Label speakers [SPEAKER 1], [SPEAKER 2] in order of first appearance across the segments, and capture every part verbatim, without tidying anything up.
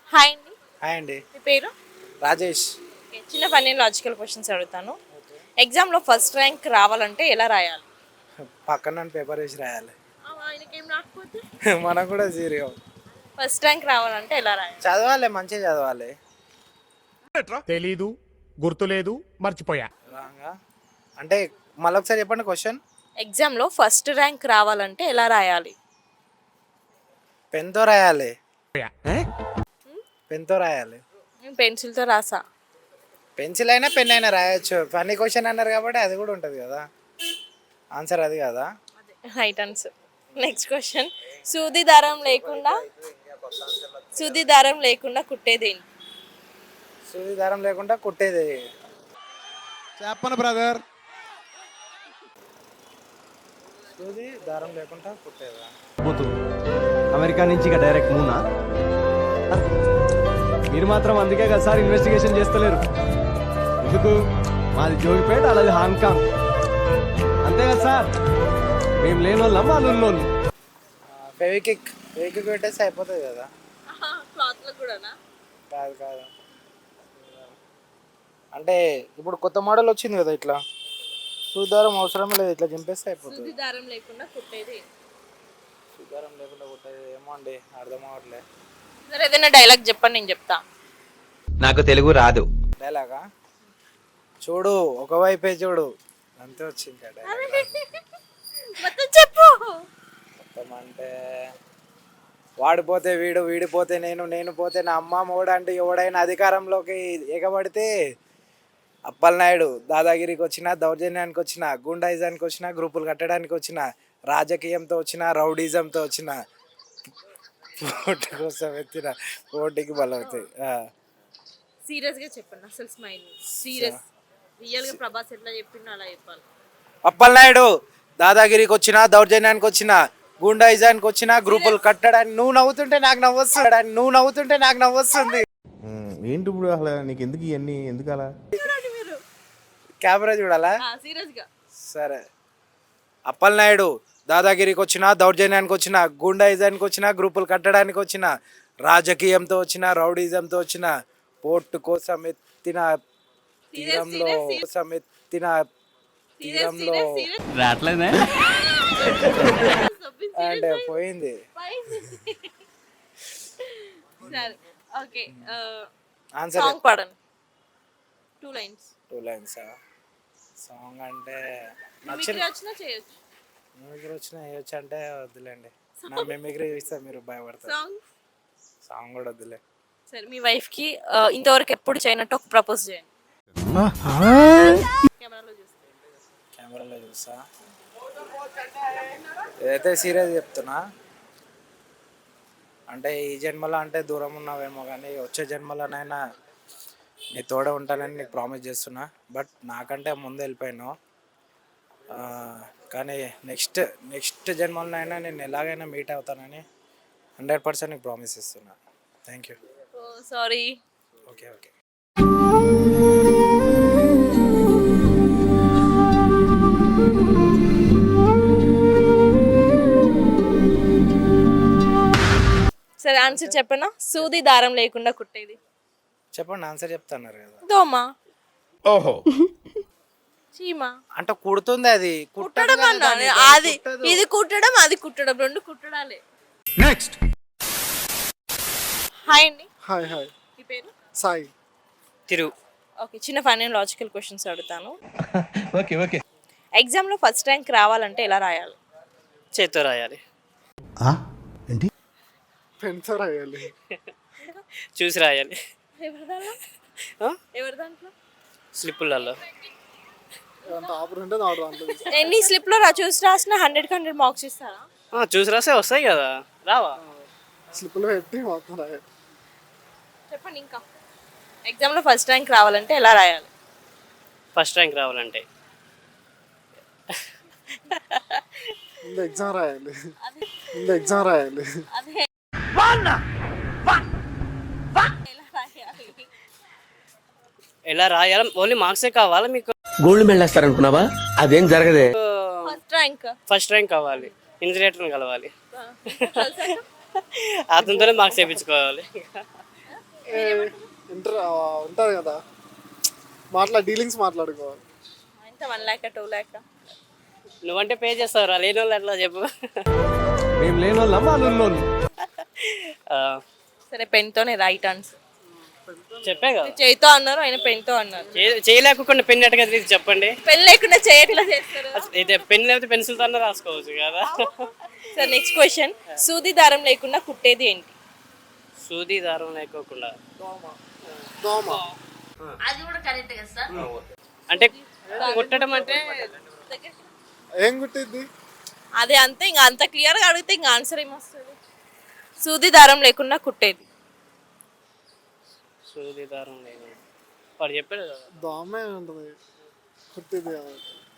[SPEAKER 1] Hi అండి.
[SPEAKER 2] Hi అండి.
[SPEAKER 1] మీ పేరు?
[SPEAKER 2] రాజేష్.
[SPEAKER 1] ఓకే, చిన్న ఫన్నీ లాజికల్ క్వశ్చన్స్ అడుగుతాను. ఎగ్జామ్లో ఫస్ట్ ర్యాంక్ రావాలంటే ఎలా రాయాలి?
[SPEAKER 2] పక్కన పేపర్ వేసి రాయాలి.
[SPEAKER 1] ఆయనకేం రాకపోతే
[SPEAKER 2] మనం కూడా జీరో.
[SPEAKER 1] ఫస్ట్ ర్యాంక్ రావాలంటే ఎలా రాయాలి?
[SPEAKER 2] చదవాలి, మంచిగా చదవాలి.
[SPEAKER 3] తెలీదు, గుర్తులేదు, మర్చిపోయా.
[SPEAKER 2] రాంగా అంటే మళ్ళొకసారి చెప్పండి క్వశ్చన్.
[SPEAKER 1] ఎగ్జామ్లో ఫస్ట్ ర్యాంక్ రావాలంటే ఎలా రాయాలి?
[SPEAKER 2] పెన్తో రాయాలి. పెన్తో రాయాలి.
[SPEAKER 1] నేను పెన్సిల్తో రాసా.
[SPEAKER 2] పెన్సిల్ అయినా పెన్ అయినా రాయొచ్చు. ఫన్నీ క్వశ్చన్ అన్నారు కాబట్టి అది కూడా ఉంటుంది కదా. ఆన్సర్ అది కదా.
[SPEAKER 1] Right answer. Next question. సూది దారం లేకుండా సూది దారం లేకుండా కుట్టేదేంటి?
[SPEAKER 2] సూది దారం లేకుండా కుట్టేది.
[SPEAKER 4] చెప్పను బ్రదర్.
[SPEAKER 2] సూది దారం లేకుండా కుట్టేదా?
[SPEAKER 4] అమెరికా నుంచి ఇక డైరెక్ట్ మూనా? మీరు మాత్రం అందుకే కదా సార్ ఇన్వెస్టిగేషన్ చేస్తలేరు. ఎందుకు? మాది జోగిపేట, అలాది హాంకాంగ్. అంతే కదా సార్. మేము లేని వాళ్ళం, వాళ్ళు ఉన్నోళ్ళు.
[SPEAKER 2] ఫెవికిక్ ఫెవికిక్ పెట్టేస్తే అయిపోతుంది కదా.
[SPEAKER 1] క్లాత్లో కూడానా?
[SPEAKER 2] కాదు కాదు, అంటే ఇప్పుడు కొత్త మోడల్ వచ్చింది కదా, ఇట్లా సూదారం అవసరం లేదు, ఇట్లా చింపేస్తే అయిపోతుంది.
[SPEAKER 1] సూది దారం లేకుండా కుట్టేది.
[SPEAKER 2] సూదారం లేకుండా కుట్టేది ఏమో అండి, అర్థం అవ్వట్లే.
[SPEAKER 1] సరే, ఏదైనా డైలాగ్ చెప్పండి, నేను చెప్తా.
[SPEAKER 5] నాకు తెలుగు రాదు.
[SPEAKER 2] డైలాగా? చూడు ఒకవైపే చూడు, అంతే వచ్చింది
[SPEAKER 1] మొత్తం చెప్పు.
[SPEAKER 2] మొత్తం అంటే వాడిపోతే వీడు, వీడిపోతే నేను, నేను పోతే నా అమ్మ మోడు అంటే ఎవడైనా అధికారంలోకి ఎగబడితే అప్పలనాయుడు దాదాగిరికి వచ్చిన, దౌర్జన్యానికి వచ్చిన, గుండాయిజానికి వచ్చిన, గ్రూపులు కట్టడానికి వచ్చిన, రాజకీయంతో వచ్చిన, రౌడీజంతో వచ్చిన, ఓటు కోసం ఎత్తిన ఓటుకి బలవుతాయి.
[SPEAKER 1] సీరియస్గా చెప్పండి, అసలు స్మైల్ సీరియస్. రియల్గా ప్రభాస్ ఎట్లా చెప్పిండో అలా చెప్పాలి.
[SPEAKER 2] అప్పలనాయుడు దాదాగిరికి వచ్చిన, దౌర్జన్యానికి వచ్చిన, గుండాయిజానికి వచ్చిన, గ్రూపులు కట్టడానికి. నువ్వు నవ్వుతుంటే నాకు నవ్వొస్తుంది నువ్వు నవ్వుతుంటే నాకు నవ్వొస్తుంది
[SPEAKER 4] ఏంటి ఇప్పుడు అసలు నీకు ఎందుకు ఇవన్నీ? ఎందుకు అలా?
[SPEAKER 2] కెమెరా చూడాలా?
[SPEAKER 1] సీరియస్గా
[SPEAKER 2] సరే. అప్పలనాయుడు దాదాగిరికి వచ్చిన, దౌర్జన్యానికి వచ్చిన, గుండాయిజానికి వచ్చిన, గ్రూపులు కట్టడానికి వచ్చిన, రాజకీయంతో వచ్చిన, రౌడీజంతో వచ్చిన, పోర్టు కోసం ఎత్తిన తీరంలో కోసం ఎత్తిన తీరంలో అంటే పోయింది.
[SPEAKER 1] ఓకే,
[SPEAKER 2] ఆన్సర్
[SPEAKER 1] సాంగ్ పాడండి. Two lines.
[SPEAKER 2] Two lines song అంటే
[SPEAKER 1] మిమిక్రీ వచ్చినా చేయొచ్చు.
[SPEAKER 2] మిమిక్రీ వచ్చినా వేయొచ్చు అంటే వద్దులేండి, నా మిమిక్రీ చూస్తే మీరు భయపడతారు.
[SPEAKER 1] సాంగ్
[SPEAKER 2] సాంగ్ కూడా వద్దులే.
[SPEAKER 1] సరే, మీ వైఫ్కి ఇంతవరకు ఎప్పుడు చేయనట్టు ఒక ప్రపోజ్ చేయండి. కెమెరాలో చూస్తే.
[SPEAKER 2] కెమెరాలో చూసా ఏదైతే సీరియస్ చెప్తున్నా, అంటే ఈ జన్మలో అంటే దూరం ఉన్నావేమో కానీ వచ్చే జన్మలోనైనా నీ తోడ ఉంటానని నీకు ప్రామిస్ చేస్తున్నా. బట్ నాకంటే ముందు వెళ్ళిపోయాను, కానీ నెక్స్ట్ నెక్స్ట్ జన్మలోనైనా నేను ఎలాగైనా మీట్ అవుతానని హండ్రెడ్ పర్సెంట్ నీకు ప్రామిస్ ఇస్తున్నా. Thank you.
[SPEAKER 1] Sorry.
[SPEAKER 2] Okay okay.
[SPEAKER 1] సరే, ఆన్సర్ చెప్పనా? సూది దారం లేకుండా కుట్టేది.
[SPEAKER 2] చెప్పండి, ఆన్సర్ చెప్తున్నారు కదా.
[SPEAKER 1] దోమ.
[SPEAKER 3] ఓహో.
[SPEAKER 1] చీమ.
[SPEAKER 2] అంటే కుడుతుంది, అది
[SPEAKER 1] కుట్టడం అన్నా. అది ఇది కుట్టడం, అది కుట్టడం, రెండు కుట్టడాలే.
[SPEAKER 3] నెక్స్ట్.
[SPEAKER 1] హాయ్ అండి.
[SPEAKER 6] Hi hi.
[SPEAKER 1] మీ పేరు?
[SPEAKER 6] సాయి.
[SPEAKER 2] తిరు.
[SPEAKER 1] ఓకే, చిన్న ఫన్నీ లాజికల్ క్వశ్చన్స్ అడుగుతాను.
[SPEAKER 5] Okay okay.
[SPEAKER 1] ఎగ్జామ్లో ఫస్ట్ ర్యాంక్ రావాలంటే ఎలా రాయాలి?
[SPEAKER 2] చేత్తో రాయాలి.
[SPEAKER 4] ఏంటి?
[SPEAKER 6] పెన్తో రాయాలి.
[SPEAKER 2] చూసి రాయాలి.
[SPEAKER 1] ఎవరి దాంట్లో? ఎవరి దాంట్లో?
[SPEAKER 2] స్లిప్పులలో.
[SPEAKER 6] ఆపర్ ఉంటే నాడు దాంట్లో.
[SPEAKER 1] ఎన్ని స్లిప్లో రా చూసి రాసిన హండ్రెడ్కి హండ్రెడ్ మార్క్స్ ఇస్తారా?
[SPEAKER 2] చూసి రాసే వస్తాయి కదా, రావా?
[SPEAKER 6] స్లిప్లో పెట్టి మొత్తం రాయాలి.
[SPEAKER 1] చెప్పండి ఇంకా. ఎగ్జామ్లో ఫస్ట్ ర్యాంక్ రావాలంటే ఎలా రాయాలి?
[SPEAKER 2] ఫస్ట్ ర్యాంక్ రావాలంటే
[SPEAKER 6] ముందు ఎగ్జామ్ రాయాలి. ముందు ఎగ్జామ్ రాయాలి.
[SPEAKER 1] అదే
[SPEAKER 2] ఎలా రాయాలి? ఓన్లీ మార్క్సే కావాలా మీకు?
[SPEAKER 5] గోల్డ్ మెడల్ వేస్తారనుకున్నావా? అదేం జరగదే.
[SPEAKER 1] ఫస్ట్ ర్యాంక్
[SPEAKER 2] ఫస్ట్ ర్యాంక్ కావాలి, ఇన్సులేటర్ని కలవాలి, అతనితోనే మార్క్స్ వేయించుకోవాలి.
[SPEAKER 6] ఇంటర్ ఉంటుంది కదా, మాట్లా డీలింగ్స్ మాట్లాడుకోవాలి.
[SPEAKER 1] ఎంత వన్ ల్యాక్ టూ ల్యాక్
[SPEAKER 7] నువ్వంటే పే చేస్తావురా, లేని వాళ్ళు ఎట్లా చెప్పు.
[SPEAKER 4] మేము లేని వాళ్ళం వాళ్ళు ఉన్నోళ్ళు.
[SPEAKER 7] ఆ,
[SPEAKER 1] సరే పెన్తోనే రైట్ ఆన్సర్.
[SPEAKER 7] చెప్పే కదా,
[SPEAKER 1] చేయితో అన్నారు, ఆయన పెన్తో అన్నారు.
[SPEAKER 7] చే- చేయలేకుండా పెన్ ఎట్టగా తీసి చెప్పండి.
[SPEAKER 1] పెన్ లేకుండా చేయట్లా చేస్తారు.
[SPEAKER 7] అయితే పెన్ లేకపోతే పెన్సిల్తో అన్న రాసుకోవచ్చు కదా.
[SPEAKER 1] సరే నెక్స్ట్ క్వశ్చన్, సూది దారం లేకుండా కుట్టేది ఏంటి?
[SPEAKER 7] సూది దారం లేకోకుండా
[SPEAKER 6] దోమ.
[SPEAKER 7] అంటే కుట్టడం అంటే
[SPEAKER 6] ఏం కుట్టిద్ది?
[SPEAKER 1] అదే అంతే, ఇంకా అంత క్లియర్గా అడిగితే ఇంకా ఆన్సర్ ఏమొస్తుంది? సూది దారం లేకుండా కుట్టేది.
[SPEAKER 7] సూది దారం లేదు, వాడు చెప్పాడు కదా.
[SPEAKER 6] దోమే ఉంటుంది కుట్టిద్ది కదా.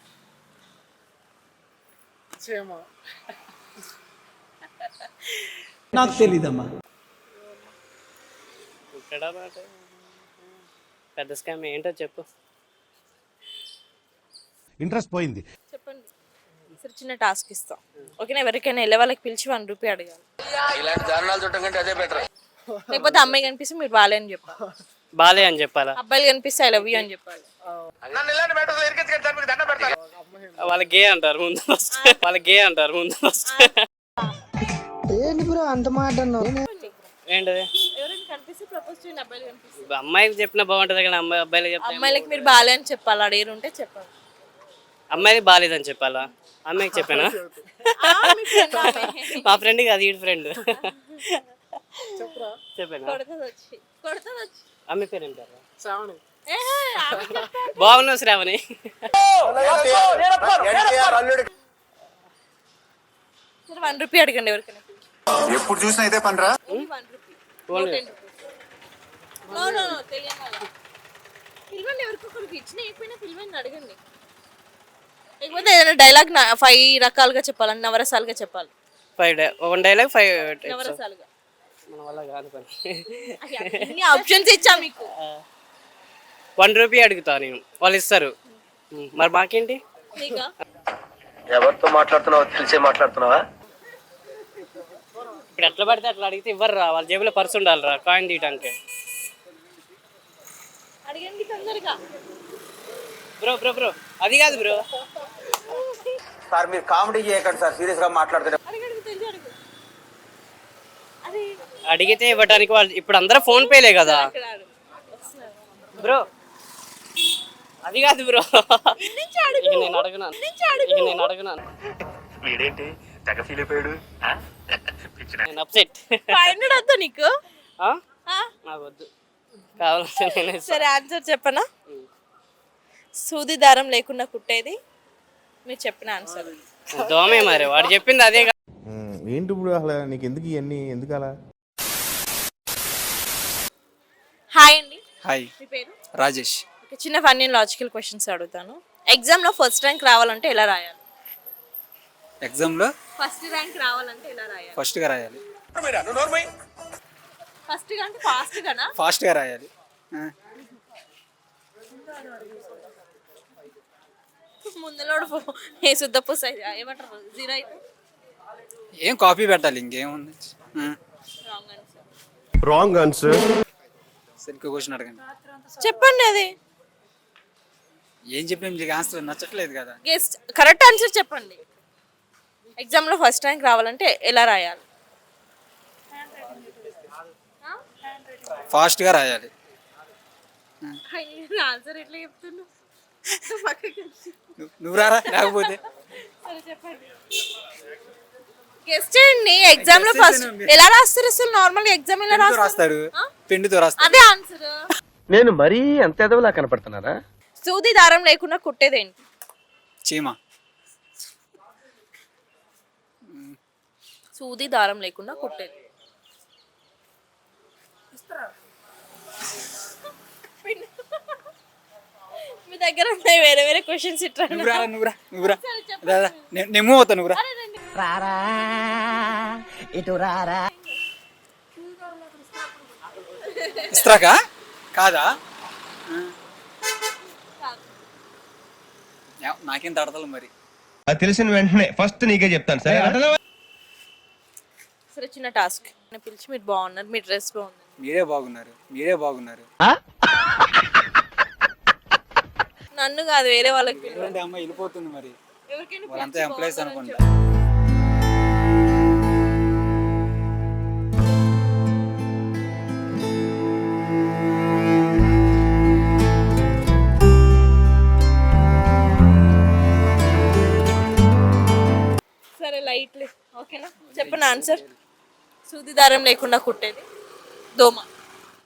[SPEAKER 6] చీమ.
[SPEAKER 8] నాకు తెలీదమ్మా.
[SPEAKER 7] కుట్టడం అంటే పెద్ద స్కామ్ ఏంటో చెప్పు.
[SPEAKER 3] ఇంట్రెస్ట్ పోయింది.
[SPEAKER 1] చెప్పండి. సరే చిన్న టాస్క్ ఇస్తాం, ఓకేనా? ఎవరికైనా వెళ్ళే వాళ్ళకి పిలిచి వన్ రూపీ అడగాలి. లేకపోతే అమ్మాయి కనిపిస్తే మీరు బాలే అని చెప్పాలి,
[SPEAKER 7] బాలే అని చెప్పాలా?
[SPEAKER 1] అబ్బాయిలు కనిపిస్తే ఐ లవ్ యూ అని చెప్పాలి.
[SPEAKER 7] వాళ్ళకి గే అంటారు ముందు ఫస్ట్, వాళ్ళకి గే అంటారు ముందు ఫస్ట్. ఏంటది?
[SPEAKER 1] ఎవరైనా కనిపిస్తే ప్రపోజ్ చేయండి, అబ్బాయిలు కనిపిస్తే.
[SPEAKER 7] అమ్మాయికి చెప్పినా బాగుంటది కానీ అమ్మాయి అబ్బాయిలు చెప్తే
[SPEAKER 1] అమ్మాయిలకి మీరు బాలే అని చెప్పాలి, అడిగి ఉంటే చెప్పాలి.
[SPEAKER 7] అమ్మాయికి బాగాలేదని చెప్పాలా? అమ్మాయికి చెప్పానా?
[SPEAKER 1] ఆ, మీ friend ఆమె.
[SPEAKER 7] మా ఫ్రెండ్ కాదు, ఈ ఫ్రెండ్. చెప్పానా?
[SPEAKER 1] కొడుతుంది వచ్చి కొడుతుంది వచ్చి
[SPEAKER 7] అమ్మాయి పేరు ఏం పేరు?
[SPEAKER 6] శ్రావణి.
[SPEAKER 1] ఏహే, ఆమె చెప్తా.
[SPEAKER 7] బాగున్నావు శ్రావణి.
[SPEAKER 1] సరే వన్ రూపీ అడగండి ఎవరికైనా.
[SPEAKER 9] ఎప్పుడు చూసినా ఇదే పనిరా.
[SPEAKER 1] One rupee. No no no తెలియని వాళ్ళ పిలవండి, ఎవరికొకరికి ఇచ్చిన అయిపోయినా పిలవండి, అడగండి. లేకపోతే ఏదైనా డైలాగ్ ఫైవ్ రకాలుగా చెప్పాలి, నవరసాలుగా చెప్పాలి.
[SPEAKER 7] Five day one dialogue five
[SPEAKER 1] నవరసాలుగా
[SPEAKER 7] మన వల్ల కాదు పని.
[SPEAKER 1] ఇన్ని ఆప్షన్స్ ఇచ్చా మీకు.
[SPEAKER 7] వన్ రూపీ అడుగుతా నేను, వాళ్ళు ఇస్తారు. మరి మాకేంటి?
[SPEAKER 1] నీకా?
[SPEAKER 5] ఎవరితో మాట్లాడుతున్నావో తెలిసే మాట్లాడుతున్నావా?
[SPEAKER 7] ఇప్పుడు ఎట్లా పడితే అట్లా అడిగితే ఇవ్వరు రా, వాళ్ళ జేబులో పర్సు ఉండాలి రా కాయిన్ తీయడానికి.
[SPEAKER 1] అడగండి తొందరగా.
[SPEAKER 7] బ్రో బ్రో బ్రో అది కాదు బ్రో.
[SPEAKER 5] సార్ మీరు కామెడీ చేయకండి సార్, సీరియస్ గా మాట్లాడుతున్నారు.
[SPEAKER 1] అడగండి తెలిసి అడుగు. అదే
[SPEAKER 7] అడిగితే ఇవ్వడానికి వాళ్ళు ఇప్పుడు అందరూ ఫోన్ పేలే కదా
[SPEAKER 1] ఇక్కడ అడుగు. వస్తున్నారు.
[SPEAKER 7] బ్రో. అది కాదు బ్రో,
[SPEAKER 1] నుంచి అడుగు.
[SPEAKER 7] ఇక నేను అడగనాను,
[SPEAKER 1] నుంచి అడుగు.
[SPEAKER 7] ఇక నేను అడగనాను.
[SPEAKER 5] వీడేంటి తెగ ఫీల్ అయిపోయాడు.
[SPEAKER 7] నేను అప్సెట్.
[SPEAKER 1] ఫైవ్ హండ్రెడ్ వద్దా నీకు? ఆ?
[SPEAKER 7] నాకు వద్దు, కావాలంటే నేను ఇస్తా.
[SPEAKER 1] సరే ఆన్సర్ చెప్పనా? సూది దారం లేకుండా కుట్టేది మీరు చెప్పిన ఆన్సర్.
[SPEAKER 7] దోమే మరి, వాడు చెప్పింది అదే.
[SPEAKER 3] ఏంటి ఇప్పుడు అసలు నీకు ఎందుకు ఇవన్నీ ఎందుకు అలా?
[SPEAKER 1] హాయ్ అండి.
[SPEAKER 10] హాయ్,
[SPEAKER 1] మీ పేరు?
[SPEAKER 10] రాజేష్.
[SPEAKER 1] ఓకే, చిన్న ఫన్నీ లాజికల్ క్వశ్చన్స్ అడుగుతాను. ఎగ్జామ్లో ఫస్ట్ ర్యాంక్ రావాలంటే ఎలా రాయాలి?
[SPEAKER 10] ఎగ్జామ్లో
[SPEAKER 1] ఫస్ట్ ర్యాంక్ రావాలంటే ఎలా రాయాలి?
[SPEAKER 10] ఫస్ట్గా రాయాలి.
[SPEAKER 1] ఫస్ట్ గా అంటే ఫాస్ట్ గానా?
[SPEAKER 10] ఫాస్ట్గా రాయాలి. ఆ,
[SPEAKER 1] ముందులోడు ఏ శుద్ధ పుస్ ఏమంటారు జీరో అయితే
[SPEAKER 10] ఏం కాపీ పెట్టాలి, ఇంకేముంది. ఆ,
[SPEAKER 1] రాంగ్ ఆన్సర్.
[SPEAKER 3] Wrong answer.
[SPEAKER 10] సరిగ్గా క్వశ్చన్ అడగండి.
[SPEAKER 1] చెప్పండి అది.
[SPEAKER 10] ఏం చెప్పాం, మీకు ఆన్సర్ నచ్చట్లేదు కదా.
[SPEAKER 1] గెస్ట్ కరెక్ట్ ఆన్సర్ చెప్పండి. ఎగ్జామ్లో ఫస్ట్ ర్యాంక్ రావాలంటే ఎలా రాయాలి?
[SPEAKER 10] ఫాస్ట్గా రాయాలి.
[SPEAKER 1] ఆన్సర్ ఎట్లా చెప్తున్నావు?
[SPEAKER 10] నువ్వు- నువ్వు రారా, లేకపోతే
[SPEAKER 1] సరే చెప్పండి. గెస్ట్ చేయండి. ఎగ్జామ్ లో ఫస్ట్ ఎలా రాస్తారు అసలు? నార్మల్ ఎగ్జామ్ ఎలా
[SPEAKER 10] పెన్నుతో
[SPEAKER 1] రాస్తారు?
[SPEAKER 10] రాస్తాడు, పెన్నుతో రాస్తాడు.
[SPEAKER 1] అదే ఆన్సర్.
[SPEAKER 5] నేను మరీ అంత ఎదవలా కనపడుతున్నారా?
[SPEAKER 1] సూది దారం లేకుండా కుట్టేదేంటి?
[SPEAKER 10] చీమ.
[SPEAKER 1] సూది దారం లేకుండా కుట్టేది. మీ దగ్గర ఉన్నాయి వేరే వేరే క్వశ్చన్స్ ఇట్లా.
[SPEAKER 10] నువ్వు రారా, నువ్వు రా, నువ్వు రా, రారా. నేను నేను మూవ్ అవుతా, నువ్వు రా. ఇస్త్రాకా కాదా? యా, నాకేం తడతలు మరి.
[SPEAKER 8] అది తెలిసిన వెంటనే ఫస్ట్ నీకే చెప్తాను సరే.
[SPEAKER 1] సరే చిన్న టాస్క్. పిలిచి మీరు బాగున్నారు, మీ డ్రెస్ బాగుంది,
[SPEAKER 10] మీరే బాగున్నారు మీరే బాగున్నారు
[SPEAKER 1] నన్ను కాదు వేరే వాళ్ళకి పిలవండి.
[SPEAKER 10] ఎందుకంటే అమ్మాయి వెళ్ళిపోతుంది మరి
[SPEAKER 1] ఎవరికైనా
[SPEAKER 10] వాళ్ళంతా
[SPEAKER 1] పిలిచి
[SPEAKER 10] ఎంప్లాయీస్
[SPEAKER 1] బాగున్నారని
[SPEAKER 10] అనుకుంటా
[SPEAKER 1] సరే లైట్ ఓకేనా చెప్పండి ఆన్సర్ సూది దారం లేకుండా కుట్టేది దోమ